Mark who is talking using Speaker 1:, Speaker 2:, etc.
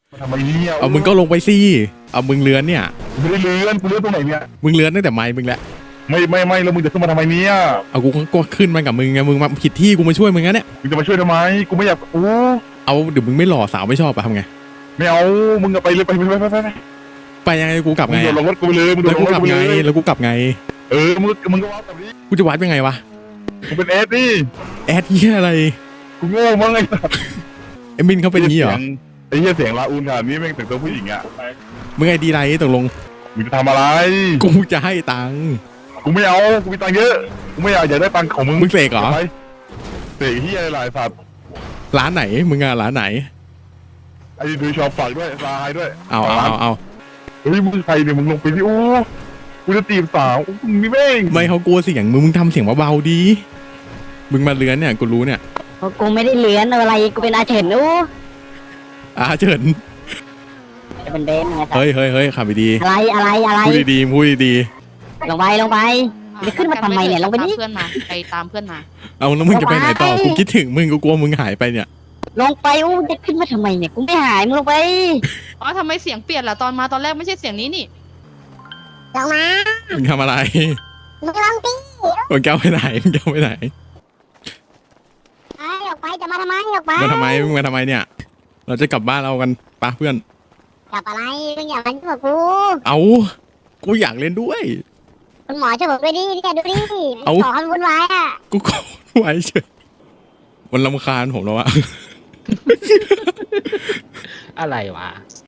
Speaker 1: ทำไมเนี่ย
Speaker 2: เอามึงก็ลงไปสิเอามึงเลื้อนเนี่ย
Speaker 1: ไม่ได้เลื่อนกูเลื่อนตรงไหนเนี่ย
Speaker 2: มึงเลื้อนตั้งแต่ไม้มึงแหละ
Speaker 1: ไม่แล้วมึงจะขึ้นมาทำไมเนี่ย
Speaker 2: เอากูก็ขึ้นมากับมึงไงมึงมาผิดที่กูมาช่วยมึงนะเนี่ย
Speaker 1: มึงจะมาช่วยทำไมกูไม่อยาก
Speaker 2: เอาเดี๋ยวมึงไม่หล่อสาวไม่ชอบอะทำไง
Speaker 1: ไม่เอามึงไปเลยไป
Speaker 2: ไปยังไงกูกลับไง
Speaker 1: มึงโดนลงรถกูไปเลยมึงโด
Speaker 2: แล้
Speaker 1: น
Speaker 2: ว
Speaker 1: ล
Speaker 2: กู
Speaker 1: งรถ
Speaker 2: กลับ
Speaker 1: กู
Speaker 2: ไง
Speaker 1: เลย
Speaker 2: แล้วกูกลับไง
Speaker 1: มึงก็วัดแบบนี้
Speaker 2: กูจะวัดยังไงวะ
Speaker 1: มึงเป็นเอสดิ
Speaker 2: แอดเหี้ยอะไร
Speaker 1: กูโง่มั้งไง
Speaker 2: ไอ้มินเขาเป็นงี้เหรอ
Speaker 1: ไอ้เหี้ยเสียงลาอูนขนาดนี้แม่งแต่งตัวผู้หญิงอ่ะ
Speaker 2: มึงไงดีไรตกลง
Speaker 1: มึงจะทำอะไร
Speaker 2: กูจะให้ตังค์
Speaker 1: กูไม่เอากูมีตังค์เยอะกูไม่อยากได้ตังค์ของมึง
Speaker 2: เสกเหรอ
Speaker 1: เสกเหี้ยอะไรสัตว์
Speaker 2: ร้านไหนมึงอะร้านไหน
Speaker 1: ไอ้ดูชอบฝากด้วยซายด้วย
Speaker 2: เอา
Speaker 1: เฮ้ยมึงใครเนี่ยมึงลงไปที่กูจะจีบสาวมึงนี่แม่ง
Speaker 2: ไม่เขากลัวเสียงมึงทำเสียงเบาๆดีมึงมาเลื้อนเนี่ยกูรู้เนี่ย
Speaker 3: กูไม่ได้เลื้อนอะไรกูเป็นอาเฉิน
Speaker 2: เฉิน
Speaker 3: จะเป็นเบนไง
Speaker 2: เฮ้ยขับไปดี
Speaker 3: อะไร
Speaker 2: พูดดี
Speaker 3: ลงไปจะขึ้นมาทำไมเนี่ยลงไปนี่
Speaker 4: เพื่อนมาไปตามเพื่อนมา
Speaker 2: เอาแล้วมึงจะไปไหนต่อกูคิดถึงมึงกูกลัวมึงหายไปเนี่ย
Speaker 3: ลงไปจะขึ้นมาทำไมเนี่ยกูไม่หายมึงลงไป
Speaker 4: อ๋อทำไมเสียงเปลี่ยนล่ะตอนมาตอนแรกไม่ใช่เสียงนี้นี่
Speaker 3: ลงมา
Speaker 2: มึงทำอะไร
Speaker 3: มึงลงตี
Speaker 2: มึงแก้วไปไหนมึงแก้วไปไหน
Speaker 3: ออกไปจะมาทำไมออกไป
Speaker 2: มึงมาทำไมเนี่ยเราจะกลับบ้านเรากันปะเพื่อน
Speaker 3: กลับอะไรมึงอยากเล่นกับกู
Speaker 2: เอากูอยากเล่นด้วย
Speaker 3: คุณหมอช่วยผมด้วยดิแกดูดิขอให้วุ่นวายอ่ะ
Speaker 2: กูขอไว้เฉยมันรำคาญผมแล้วอะ
Speaker 5: อะไรวะ